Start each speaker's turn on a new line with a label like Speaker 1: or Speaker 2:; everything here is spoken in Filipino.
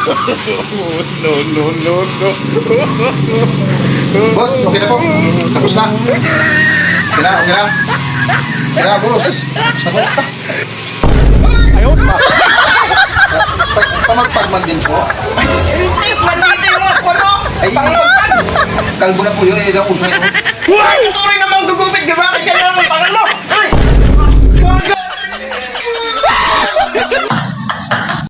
Speaker 1: No, no, no, no.
Speaker 2: Boss, okay na po. Tapos na. Okay na, okay na. Okay na, boss. Tapos na po.
Speaker 1: Ayaw pa.
Speaker 2: Pamagpagman din po.
Speaker 3: Hindi, nandito yung mga kono.
Speaker 2: Ay, kalbo na po yun. Yan ang uso nito.
Speaker 3: Ito rin naman